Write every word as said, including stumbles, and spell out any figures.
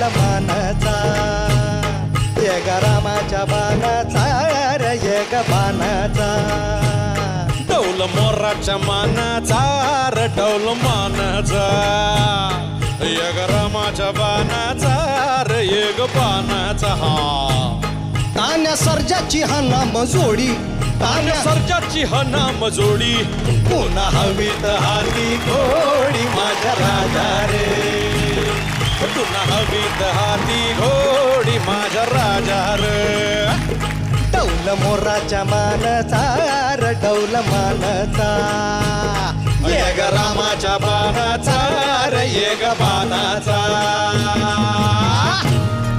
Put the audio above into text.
मानाचा ये ग रामाच्या बाणाचा रे ये ग बाणाचा डौल मोराच्या मानाचा र डौल मानाचा यग रामाच्या बाणाचा र येग बाणाचा हा तान्या सर्जाची हा नाम जोडी तान्या सर्जाची हा नाम जोडी पुन्हा हवीत हाती घोडी माझ्या राजा रे पुन्हा हवीत हाती घोडी माझ्या राजा रे डौल मोराच्या मानचा र डौल मानचा ये ग रामाच्या बाणाचा रे ये ग बाणाचा